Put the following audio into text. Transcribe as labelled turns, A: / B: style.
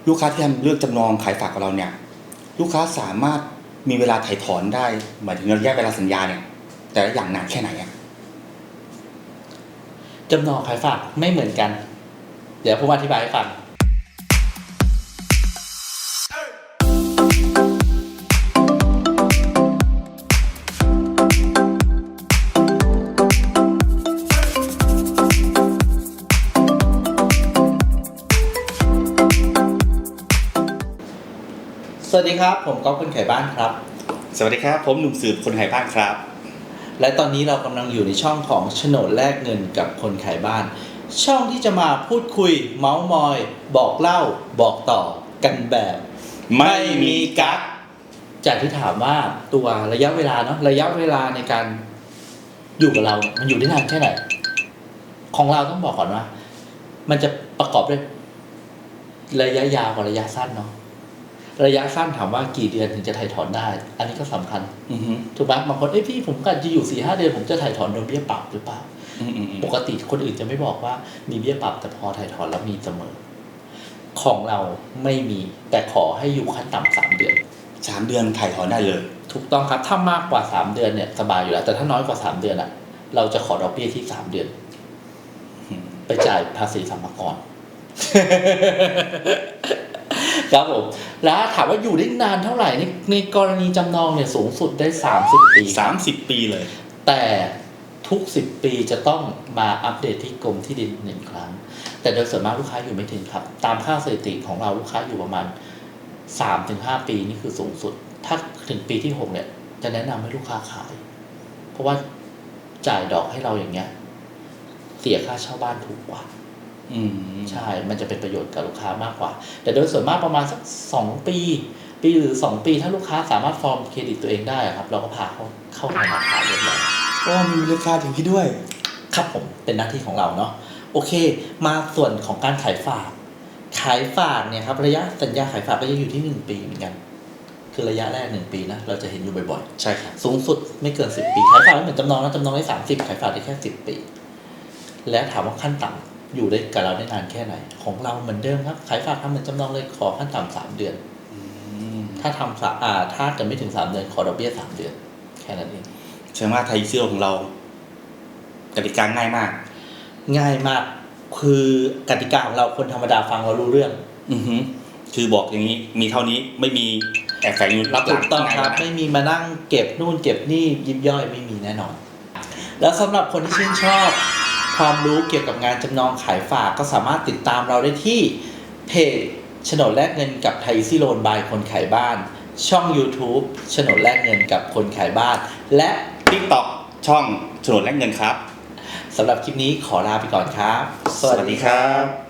A: ลูกค้าที่ทำเลือกจำนองขายฝากกับเราเนี่ยลูกค้าสามารถมีเวลาถ่ายถอนได้หมายถึงระยะเวลาสัญญาเนี่ยแต่ละอย่างนานแค่ไหนอ่ะ
B: จำนองขายฝากไม่เหมือนกันเดี๋ยวผมอธิบายให้ฟังสวัสดีครับผมก๊อฟคนขายบ้านครับ
A: สวัสดีครับผมหนุ่มสืบคนขายบ้านครับ
B: และตอนนี้เรากำลังอยู่ในช่องของโฉนดแลกเงินกับคนขายบ้านช่องที่จะมาพูดคุยเมาส์มอยบอกเล่าบอกต่อกันแบบ
A: ไม่มีกั๊ก
B: จากที่ถามว่าตัวระยะเวลาเนาะระยะเวลาในการอยู่กับเรามันอยู่ได้นานแค่ไหนของเราต้องบอกก่อนว่ามันจะประกอบด้วยระยะยาวกับระยะสั้นเนาะระยะสั้นถามว่ากี่เดือนถึงจะถ่ายถอนได้อันนี้ก็สำคัญถูกไหมบางคนพี่ผมกะจะอยู่ 4-5 เดือนผมจะถ่ายถอนโดนเบี้ยปรับหรือเปล่าปกติคนอื่นจะไม่บอกว่ามีเบี้ยปรับแต่พอถ่ายถอนแล้วมีเสมอของเราไม่มีแต่ขอให้อยู่ขั้นต่ำ3 เดือน
A: 3 เดือนถ่ายถอนได้เลย
B: ถูกต้องครับถ้ามากกว่า3 เดือนเนี่ยสบายอยู่แล้วแต่ถ้าน้อยกว่า3 เดือนอ่ะเราจะขอดอกเบี้ยที่3 เดือนไปจ่ายภาษีสรรพากรครับผมแล้วถามว่าอยู่ได้นานเท่าไหร่ในกรณีจำนองเนี่ยสูงสุดได้30 ปี
A: 30 ปีเลย
B: แต่ทุก10 ปีจะต้องมาอัปเดตที่กรมที่ดิน1 ครั้งแต่โดยส่วนมากลูกค้าอยู่ไม่ถึงครับตามค่าสถิติของเราลูกค้าอยู่ประมาณ 3-5 ปีนี่คือสูงสุดถ้าถึงปีที่6เนี่ยจะแนะนำให้ลูกค้าขายเพราะว่าจ่ายดอกให้เราอย่างเงี้ยเสียค่าเช่าบ้านถูกกว่าใช่มันจะเป็นประโยชน์กับลูกค้ามากกว่าแต่โดยส่วนมากประมาณสัก2 ปีหรือ2 ปีถ้าลูกค้าสามารถฟอร์มเครดิตตัวเองได้ครับเราก็พาเขาเข้าธนาคารเรียบร้อย
A: ก็มีราคาถึงที่ด้วย
B: ครับผมเป็นหน้าที่ของเราเนาะโอเคมาส่วนของการขายฝากเนี่ยครับระยะสัญญาขายฝากก็จะอยู่ที่1 ปีเหมือนกันคือระยะแรก1 ปีนะเราจะเห็นอยู่บ่อย
A: ๆใช่ครับ
B: สูงสุดไม่เกิน10 ปีขายฝากไม่เหมือนจำนองนะจำนองได้30ขายฝากได้แค่10 ปีและถามว่าขั้นต่ำอยู่ได้กับเราได้นานแค่ไหนของเราเหมือนเดิมครับขายฝากทำเหมือนจำนองเลยขอขั้นต่ำ3 เดือนถ้าทำถ้าเกิดไม่ถึง3 เดือนขอดอกเบี้ย3 เดือนแค่นั้นเอง
A: แสดงว่าไทยเชื่อของเรากติกาง่ายมาก
B: คือกติกาของเราคนธรรมดาฟังเรารู้เรื่อง
A: คือบอกอย่างนี้มีเท่านี้ไม่มีแอบแฝงอยู่รับหลัง
B: ถูกต้องครับไม่มีมานั่งเก็บนู่นเก็บนี่ยิบย่อยไม่มีแน่นอนแล้วสำหรับคนที่ชื่นชอบความรู้เกี่ยวกับงานจำนองขายฝากก็สามารถติดตามเราได้ที่เพจโฉนดแลกเงินกับไทยซิโลนบายคนขายบ้านช่อง YouTube โฉนดแลกเงินกับคนขายบ้านและ
A: TikTok ช่องโฉนดแลกเงินครับ
B: สำหรับคลิปนี้ขอลาไปก่อนครับ
A: สวัสดีครับ